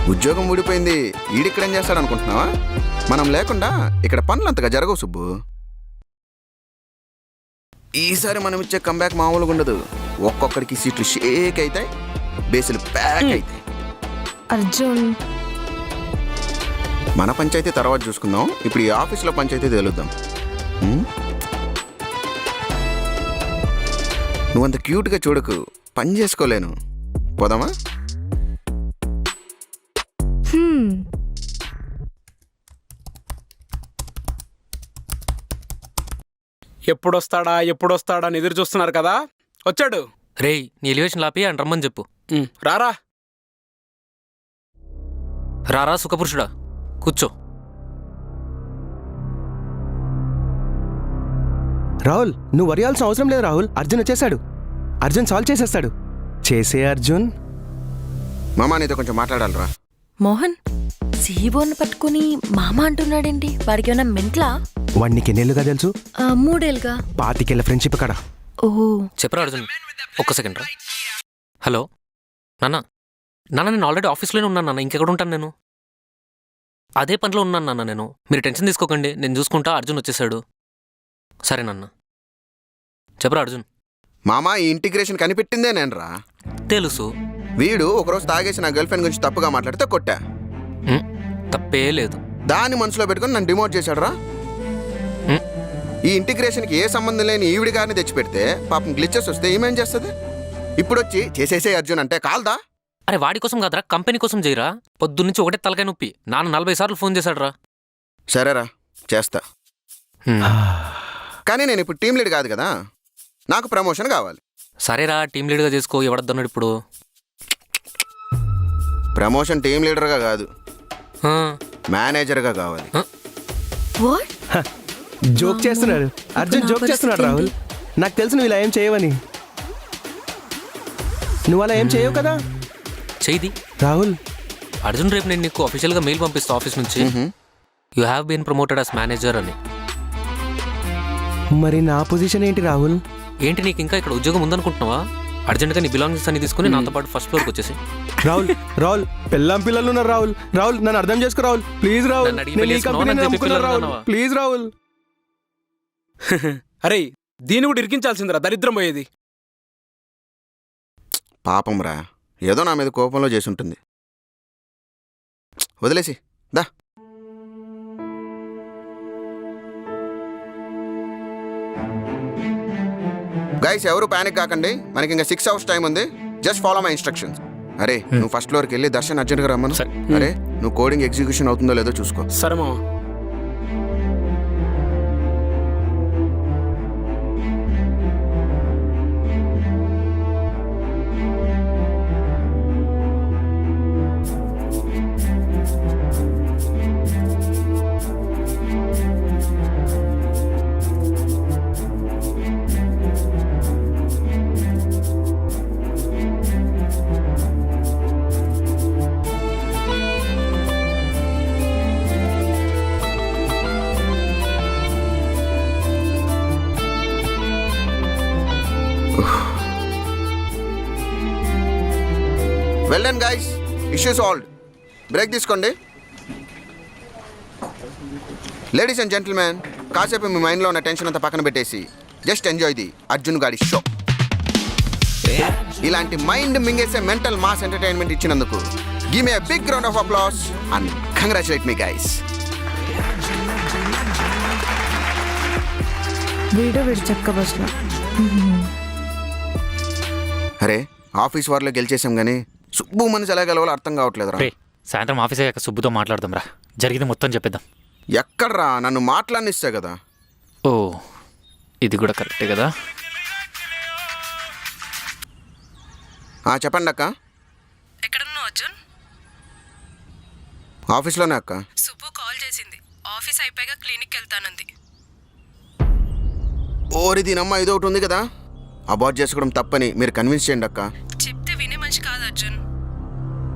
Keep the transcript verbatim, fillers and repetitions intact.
ఉద్యోగం ఊడిపోయింది, ఈడిక్కడేం చేస్తాడు అనుకుంటున్నావా? మనం లేకుండా ఇక్కడ పనులు అంతగా జరగవు సుబ్బు. ఈసారి మనం ఇచ్చే కంబ్యాక్ మామూలుగా ఉండదు. ఒక్కొక్కడికి సీట్లు షేక్ అవుతాయి, బేసులు ప్యాక్ అవుతాయి. అర్జున్, మన పంచాయతీ తర్వాత చూసుకుందాం, ఇప్పుడు ఈ ఆఫీస్లో పంచాయతీ తెలుద్దాం. నువ్వంత క్యూట్గా చూడకు, పని చేసుకోలేను. పోదామా? ఎప్పుడొస్తాడా ఎప్పుడొస్తాడా అని ఎదురు చూస్తున్నారు కదా, వచ్చాడు. రేయ్, నీ ఎలివేషన్ లాపి అని రమ్మని చెప్పు. రారా రారా సుఖపురుషుడా, కూర్చో. రాహుల్, నువ్వు వరియాల్సిన అవసరం లేదు రాహుల్. అర్జున్ వచ్చేసాడు. అర్జున్ సాల్వ్ చేసేస్తాడు. చేసే అర్జున్. మామా నీతో కొంచెం మాట్లాడాలరా. మోహన్ సీబోర్న్ పట్టుకుని మామ అంటున్నాడేంటి? వాడికి ఏమైనా మెంట్లా? వాడు నీకు ఎన్నేళ్ళుగా తెలుసు? ఆ, మూడేళ్ళుగా. పాతికేళ్ళ ఫ్రెండ్షిప్ కాడ. ఓహో, చెప్పరా అర్జున్, ఒక్క సెకండ్ రా. హలో నాన్న, నాన్న నేను ఆల్రెడీ ఆఫీస్లోనే ఉన్నాను నాన్న, ఇంకెక్కడ ఉంటాను నేను? అదే పనిలో ఉన్నాను నాన్న నేను. మీరు టెన్షన్ తీసుకోకండి, నేను చూసుకుంటా. అర్జున్ వచ్చేసాడు. సరే నాన్న. చెప్పరా అర్జున్. మామా ఈ ఇంటిగ్రేషన్ కనిపెట్టిందే నేనరా. తెలుసు. వీడు ఒకరోజు తాగేసి నా గర్ల్ ఫ్రెండ్ గురించి తప్పుగా మాట్లాడితే కొట్టా. తప్పే లేదు. దాన్ని మనసులో పెట్టుకుని నన్ను డిమోట్ చేశాడు రా. ఈ ఇంటిగ్రేషన్కి ఏ సంబంధం లేని ఈవిడి గారిని తెచ్చిపెడితే పాపం గ్లిచెస్ వస్తే ఏమేం చేస్తుంది? ఇప్పుడు వచ్చి చేసేసే అర్జున్ అంటే కాల్దా? అరే వాడి కోసం కాదురా, కంపెనీ కోసం చేయరా. పొద్దున్నుంచి ఒకటే తలకాయ నొప్పి. నాన్న నలభై సార్లు ఫోన్ చేశాడు రా. సరేరా, చేస్తా. కానీ నేను ఇప్పుడు టీం లీడ్ కాదు కదా, నాకు ప్రమోషన్ కావాలి. సరేరా, టీం లీడ్గా చేసుకో. ఎవడద్దన్నాడు ఇప్పుడు? ప్రమోషన్ టీం లీడర్గా కాదు, మేనేజర్గా కావాలి. వాట్? జోక్ చేస్తున్నాడు అర్జున్, జోక్ చేస్తున్నాడు రాహుల్. నాకు తెలుసు నువ్వు ఇలా ఏం చేయవని. నువ్వు అలా ఏం చేయవు కదా. చేయి రాహుల్. అర్జున్, రేపు నేను నీకు అఫీషియల్గా మెయిల్ పంపిస్తా ఆఫీస్ నుంచి. You have been promoted as manager అని. మరి నా పొజిషన్ ఏంటి రాహుల్? ఏంటి నీకు ఇంకా ఇక్కడ ఉద్యోగం ఉందనుకుంటున్నావా? అర్జెంట్గా నీ బిలాంగింగ్స్ అన్ని తీసుకుని నాతో పాటు ఫస్ట్ ఫ్లోర్కి వచ్చేసి. రాహుల్ రాహుల్ పిల్లం పిల్లలు ఉన్నారు రాహుల్. రాహుల్ నన్ను అర్థం చేసుకో రాహుల్, ప్లీజ్ రాహుల్. ప్లీజ్ రాహుల్. అరే దీన్ని కూడా ఇరికించాల్సిందిరా, దరిద్రం పోయేది. పాపం రా, ఏదో నా మీద కోపంలో చేసి ఉంటుంది. వదిలేసి దా. గైస్ ఎవరు ప్యానిక్ కాకండి, మనకి ఇంకా సిక్స్ అవర్స్ టైం ఉంది. Just follow my instructions. అరే నువ్వు ఫస్ట్ ఫ్లోర్కి వెళ్ళి దర్శన్ అర్జెంట్గా రమ్మను. అరే నువ్వు కోడింగ్ ఎగ్జిక్యూషన్ అవుతుందో లేదో చూసుకో. సరే మామ. Well done guys, issue solved. Break తీసుకోండి. లేడీస్ అండ్ జెంటిల్మెన్, కాసేపు మీ మైండ్లో ఉన్న టెన్షన్ అంతా పక్కన పెట్టేసి జస్ట్ ఎంజాయ్ ది అర్జున్ గాడి షో. ఇలాంటి మైండ్ మింగేసే మెంటల్ మాస్ ఎంటర్టైన్మెంట్ ఇచ్చినందుకు give me a big round of applause and congratulate me guys. Video వీడు చెక్క బస్లో. అరే ఆఫీస్ వారిలో గెలిచేసాం కానీ సుబ్బు మనసు ఎలా గెలవాలో అర్థం కావట్లేదు రా. సాయంత్రం ఆఫీస్ అయ్యాక సుబ్బుతో మాట్లాడదాం రా, జరిగింది మొత్తం చెప్పేద్దాం. ఎక్కడ్రా, నన్ను మాట్లాడినిస్తా కదా. ఓ ఇది కూడా కరెక్టే కదా. చెప్పండి అక్క. ఎక్కడున్నావు అర్జున్? ఆఫీస్లోనే అక్క. సుబ్బు కాల్ చేసింది, ఆఫీస్ అయిపోయాక క్లినిక్ వెళ్తానంది. ఓరి దీనమ్మ, ఇది ఒకటి ఉంది కదా, అబార్ట్ చేసుకోవడం తప్పని మీరు కన్విన్స్ చేయండి అక్క.